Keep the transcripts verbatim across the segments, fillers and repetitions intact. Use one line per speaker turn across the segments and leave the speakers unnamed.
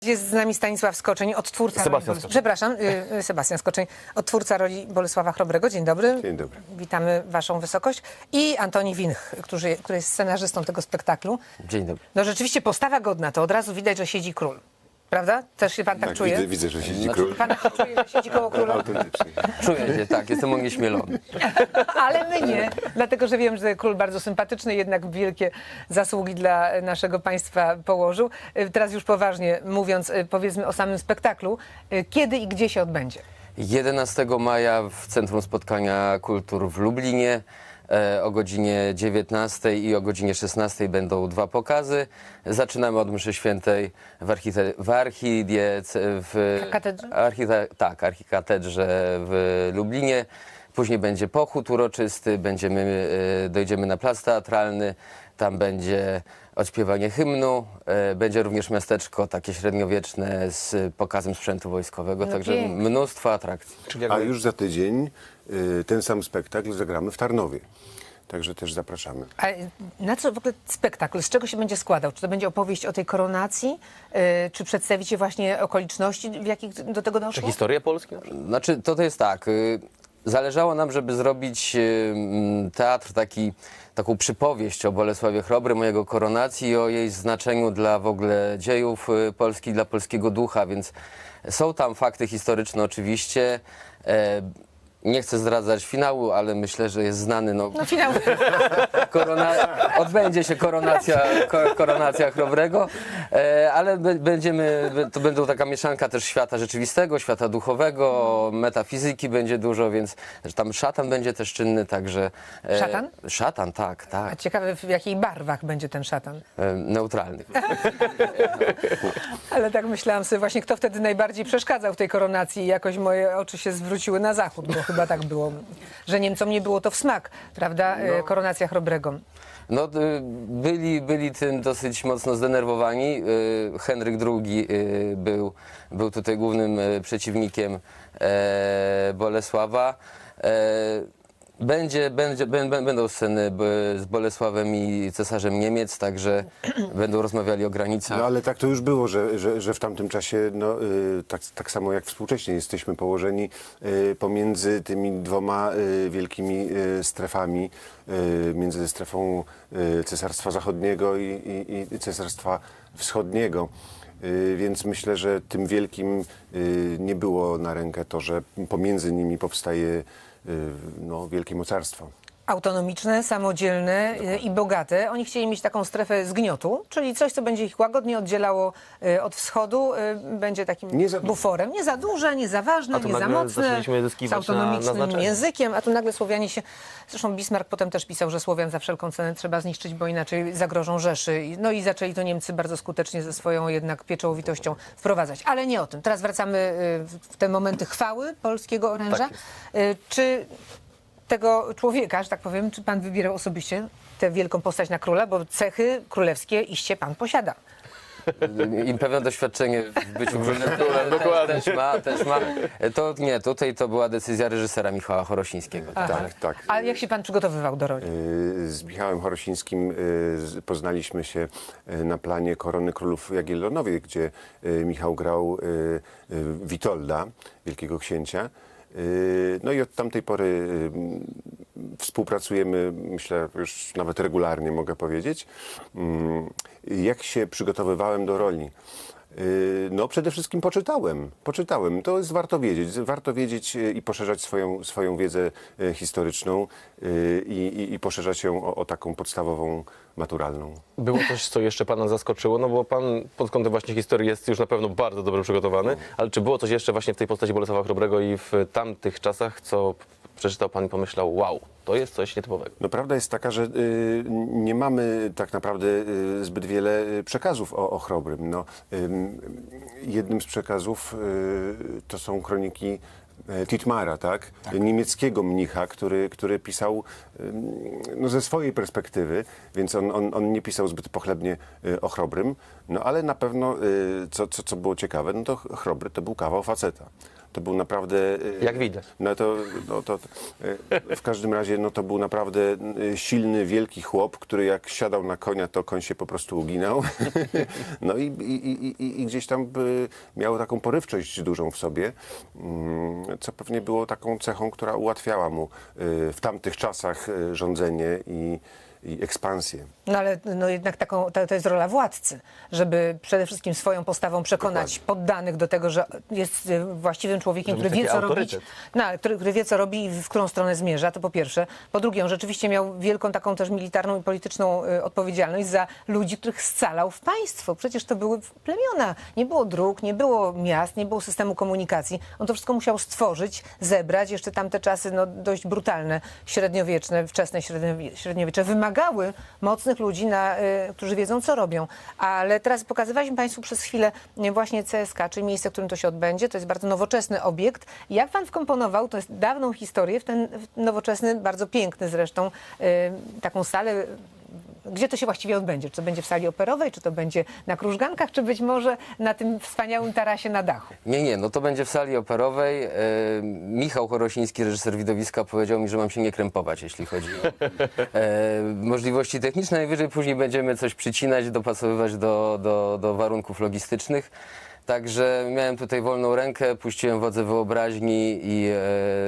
Jest z nami Stanisław Skoczeń, odtwórca
Sebastian
roli,
Skoczeń.
przepraszam, y, Sebastian Skoczeń, odtwórca roli Bolesława Chrobrego. Dzień dobry.
Dzień dobry.
Witamy Waszą wysokość. I Antoni Winch, który, który jest scenarzystą tego spektaklu.
Dzień dobry.
No rzeczywiście postawa godna, to od razu widać, że siedzi król. Prawda? Też się pan tak,
Tak,
czuje?
widzę, widzę, że siedzi
Znaczy,
król.
Pan tak czuje, że siedzi koło króla?
Autentycznie.
Czuję się, tak, jestem onieśmielony.
Ale my nie, dlatego że wiem, że król bardzo sympatyczny, jednak wielkie zasługi dla naszego państwa położył. Teraz już poważnie mówiąc, powiedzmy o samym spektaklu. Kiedy i gdzie się odbędzie?
jedenastego maja w Centrum Spotkania Kultur w Lublinie e, o godzinie dziewiętnastej i o godzinie szesnastej będą dwa pokazy. Zaczynamy od mszy świętej w, archite- w archidiec... w
Katedrze?
Archite- tak, archikatedrze w Lublinie. Później będzie pochód uroczysty, będziemy, e, dojdziemy na plac teatralny, tam będzie odśpiewanie hymnu, e, będzie również miasteczko takie średniowieczne z pokazem sprzętu wojskowego,
No
także
pięknie.
mnóstwo atrakcji.
A już za tydzień y, ten sam spektakl zagramy w Tarnowie. Także też zapraszamy.
A na co w ogóle spektakl? Z czego się będzie składał? Czy to będzie opowieść o tej koronacji? Yy, czy przedstawicie właśnie okoliczności, w jakich do tego doszło?
Historię Polski?
Znaczy, to, to jest tak. y, Zależało nam, żeby zrobić y, mm, teatr taki, taką przypowieść o Bolesławie Chrobrym, o jego koronacji i o jej znaczeniu dla w ogóle dziejów y, Polski, dla polskiego ducha, więc są tam fakty historyczne oczywiście. E, nie chcę zdradzać finału, ale myślę, że jest znany. No,
No finał.
korona, odbędzie się koronacja, ko, koronacja Chrobrego, e, ale b, będziemy, b, to będą taka mieszanka też świata rzeczywistego, świata duchowego, metafizyki będzie dużo, więc że tam szatan będzie też czynny, także... E,
Szatan?
Szatan, tak,
A
tak.
ciekawe, w jakich barwach będzie ten szatan.
E, neutralny.
Ale tak myślałam sobie właśnie, kto wtedy najbardziej przeszkadzał w tej koronacji i jakoś moje oczy się zwróciły na zachód, bo chyba tak było, że Niemcom nie było to w smak, prawda, no. Koronacja Chrobrego.
No, y, byli, byli tym dosyć mocno zdenerwowani. Y, Henryk drugi y, był, był tutaj głównym y, przeciwnikiem e, Bolesława. E, Będzie, będzie, bę- bę- będą sceny b- z Bolesławem i cesarzem Niemiec, także będą rozmawiali o granicach.
No ale tak to już było, że, że, że w tamtym czasie, no, y, tak, tak samo jak współcześnie, jesteśmy położeni y, pomiędzy tymi dwoma y, wielkimi y, strefami, y, między strefą y, Cesarstwa Zachodniego i, i, i Cesarstwa Wschodniego. Y, Więc myślę, że tym wielkim y, nie było na rękę to, że pomiędzy nimi powstaje y, no, wielkie mocarstwo.
Autonomiczne, samodzielne y, i bogate. Oni chcieli mieć taką strefę zgniotu, czyli coś, co będzie ich łagodnie oddzielało y, od wschodu, y, będzie takim
Nie za du-
buforem. Nie za duże, nie za ważne,
A tu
nie za
nagle
mocne,
zaczęliśmy
z
zyskiwać na-
autonomicznym
na znaczeniu.
językiem, a tu nagle Słowianie się... Zresztą Bismarck potem też pisał, że Słowian za wszelką cenę trzeba zniszczyć, bo inaczej zagrożą Rzeszy. I- No i zaczęli to Niemcy bardzo skutecznie ze swoją jednak pieczołowitością wprowadzać. Ale nie o tym. Teraz wracamy y, w- w te momenty chwały polskiego oręża. Y, Czy tego człowieka, że tak powiem, czy pan wybierał osobiście tę wielką postać na króla, bo cechy królewskie iście pan posiada.
I pewne doświadczenie w byciu królem też, też ma, też ma. To nie, tutaj to była decyzja reżysera Michała Chorosińskiego.
Tak, tak.
A jak się pan przygotowywał do roli?
Y, Z Michałem Chorosińskim y, z- poznaliśmy się y, na planie Korony Królów Jagiellonowej, gdzie y, Michał grał y, y, Witolda, wielkiego księcia. Y, No i od tamtej pory y, współpracujemy, myślę, już nawet regularnie mogę powiedzieć. Mm, Jak się przygotowywałem do roli? Y, No przede wszystkim poczytałem, poczytałem. To jest warto wiedzieć. Warto wiedzieć y, i poszerzać swoją, swoją wiedzę y, historyczną y, i, i, i poszerzać ją o, o taką podstawową, maturalną.
Było coś, co jeszcze pana zaskoczyło, no bo pan pod kątem właśnie historii jest już na pewno bardzo dobrze przygotowany, ale czy było coś jeszcze właśnie w tej postaci Bolesława Chrobrego i w tamtych czasach, co przeczytał pan i pomyślał, wow, to jest coś nietypowego?
No prawda jest taka, że y, nie mamy tak naprawdę y, zbyt wiele y, przekazów o, o Chrobrym. No, ym, jednym z przekazów y, to są kroniki y, Titmara, tak? Niemieckiego mnicha, który, który pisał ym, no, ze swojej perspektywy, więc on, on, on nie pisał zbyt pochlebnie y, o Chrobrym, no ale na pewno, y, co, co, co było ciekawe, no to Chrobry to był kawał faceta. to był naprawdę... y,
Jak widać.
No to, no to y, w każdym razie no to był naprawdę y, silny, wielki chłop, który jak siadał na konia, to koń się po prostu uginał. No i, i, i, i, i gdzieś tam y, miał taką porywczość dużą w sobie, mm, co pewnie było taką cechą, która ułatwiała mu y, w tamtych czasach y, rządzenie i, i ekspansję.
No ale no jednak taką, to, to jest rola władcy, żeby przede wszystkim swoją postawą przekonać poddanych do tego, że jest y, właściwym człowiekiem,
Żeby
który
mieć
wie, co
taki
robić.
autorytet.
No, ale który, który wie, co robi i w którą stronę zmierza, to po pierwsze. Po drugie, on rzeczywiście miał wielką taką też militarną i polityczną y, odpowiedzialność za ludzi, których scalał w państwo. Przecież to były plemiona. Nie było dróg, nie było miast, nie było systemu komunikacji. On to wszystko musiał stworzyć, zebrać. Jeszcze tamte czasy no, dość brutalne, średniowieczne, wczesne średniowie- średniowiecze wymagały mocnych ludzi, na, y, którzy wiedzą, co robią. Ale teraz pokazywaliśmy Państwu przez chwilę y, właśnie C S K, czyli miejsce, w którym to się odbędzie. To jest bardzo nowoczesny obiekt. Jak Pan wkomponował, to jest dawną historię, w ten w nowoczesny, bardzo piękny zresztą, y, taką salę. Gdzie to się właściwie odbędzie? Czy to będzie w sali operowej, czy to będzie na Krużgankach, czy być może na tym wspaniałym tarasie na dachu?
Nie, nie, no to będzie w sali operowej. E, Michał Chorosiński, reżyser widowiska, powiedział mi, że mam się nie krępować, jeśli chodzi o e, możliwości techniczne. Najwyżej później będziemy coś przycinać, dopasowywać do, do, do warunków logistycznych. Także miałem tutaj wolną rękę, puściłem wodze wyobraźni i e,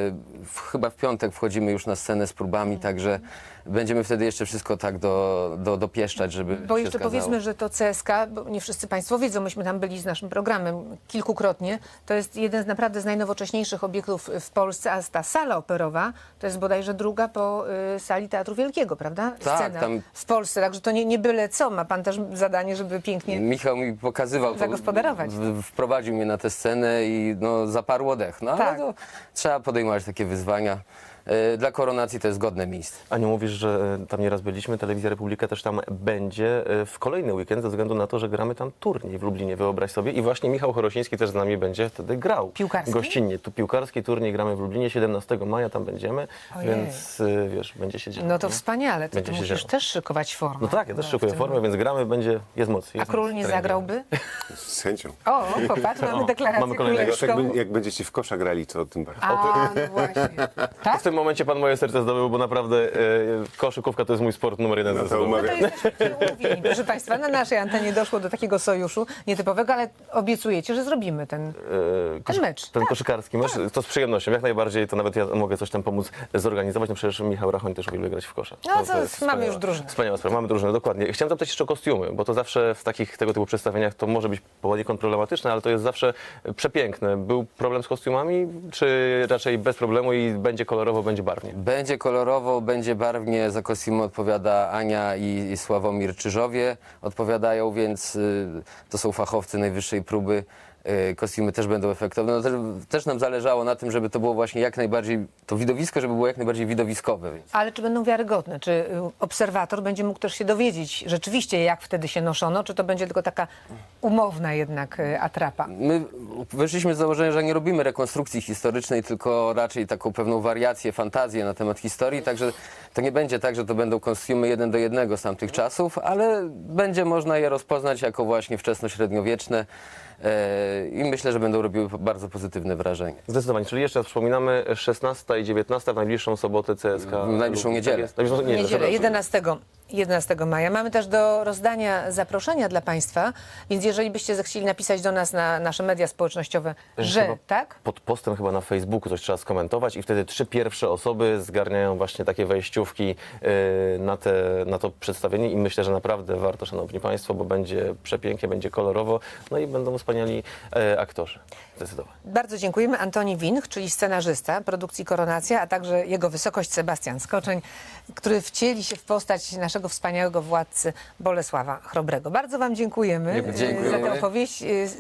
w, chyba w piątek wchodzimy już na scenę z próbami, także będziemy wtedy jeszcze wszystko tak do, do, dopieszczać, żeby
Bo
się
jeszcze
zgadzało.
powiedzmy, że to C S K, bo nie wszyscy Państwo wiedzą, myśmy tam byli z naszym programem kilkukrotnie, to jest jeden z naprawdę z najnowocześniejszych obiektów w Polsce, a ta sala operowa to jest bodajże druga po y, sali Teatru Wielkiego, prawda?
Tak,
Scena
tam-
w Polsce, także to nie, nie byle co. Ma Pan też zadanie, żeby pięknie...
Michał mi pokazywał, to,
Zagospodarować.
w- wprowadził mnie na tę scenę i no, zaparło dech. No,
Tak.
ale to trzeba podejmować takie wyzwania. E, Dla koronacji to jest godne miejsce.
Aniu, mówisz, że tam nieraz byliśmy, Telewizja Republika też tam będzie e, w kolejny weekend ze względu na to, że gramy tam turniej w Lublinie, wyobraź sobie. I właśnie Michał Chorosiński też z nami będzie wtedy grał.
Piłkarski?
Gościnnie. Tu piłkarski turniej gramy w Lublinie, siedemnastego maja tam będziemy,
Ojej.
więc e, wiesz, będzie się działo.
No to
nie?
wspaniale, to
Będzie
ty
się
musisz
działo.
też szykować formę.
No tak, ja też
No,
szykuję
w tym-
formę, więc gramy, będzie, jest moc.
A
Jest
król
moc
nie
treningu.
zagrałby?
Z chęcią.
O, popatrz, mamy
O,
deklarację
mamy kolejnego.
Jak,
królewską.
jak będziecie w kosza grali, to tym bardziej.
A, no właśnie. Tak?
W tym momencie pan moje serce zdobył, bo naprawdę e, koszykówka to jest mój sport numer jeden.
No to
zdecydowanie.
umawiam.
To jesteśmy umówieni. Proszę Państwa, na naszej antenie doszło do takiego sojuszu nietypowego, ale obiecujecie, że zrobimy ten...
E,
Ten mecz.
Ten koszykarski mecz, to z przyjemnością, jak najbardziej, to nawet ja mogę coś tam pomóc zorganizować. No przecież Michał Rachoń też uwielbia grać w kosza.
No
To-
to
to jest
mamy
wspaniała-
już drużynę.
Wspaniała sprawa, mamy drużynę, dokładnie. Chciałem zapytać jeszcze o kostiumy, bo to zawsze w takich tego typu przedstawieniach to może być poniekąd problematyczne, ale to jest zawsze przepiękne. Był problem z kostiumami, czy raczej bez problemu i będzie kolorowo, będzie barwnie?
Będzie kolorowo, będzie barwnie, za kostiumy odpowiada Ania i, i Sławomir Czyżowie odpowiadają, więc y, to są fachowcy najwyższej próby. Y, kostiumy też będą efektowne. No, też, też nam zależało na tym, żeby to było właśnie jak najbardziej, to widowisko, żeby było jak najbardziej widowiskowe. Więc.
Ale czy będą wiarygodne? Czy y, obserwator będzie mógł też się dowiedzieć rzeczywiście, jak wtedy się noszono? Czy to będzie tylko taka umowna jednak y, atrapa?
My wyszliśmy z założenia, że nie robimy rekonstrukcji historycznej, tylko raczej taką pewną wariację, fantazję na temat historii, także to nie będzie tak, że to będą kostiumy jeden do jednego z tamtych czasów, ale będzie można je rozpoznać jako właśnie wczesnośredniowieczne e, i myślę, że będą robiły bardzo pozytywne wrażenie.
Zdecydowanie, czyli jeszcze raz przypominamy, szesnastego i dziewiętnastego w najbliższą sobotę C S K.
W najbliższą
Lub-
niedzielę.
Tak jest. Najbliższą niedzielę,
Niedzielę,
przepraszam.
jedenastego, jedenastego maja. Mamy też do rozdania zaproszenia dla Państwa, więc jeżeli byście zechcieli napisać do nas na nasze media społecznościowe, że
Chyba
tak,
Pod postem chyba na Facebooku coś trzeba skomentować i wtedy trzy pierwsze osoby zgarniają właśnie takie wejściówki yy, na, te, na to przedstawienie i myślę, że naprawdę warto, szanowni państwo, bo będzie przepięknie, będzie kolorowo, no i będą wspaniali e, aktorzy. Zdecydowanie.
bardzo dziękujemy. Antoni Winch, czyli scenarzysta produkcji Koronacja, a także jego wysokość Sebastian Skoczeń, który wcieli się w postać naszego wspaniałego władcy Bolesława Chrobrego. Bardzo Wam dziękujemy,
Dziękujemy.
za tę opowieść.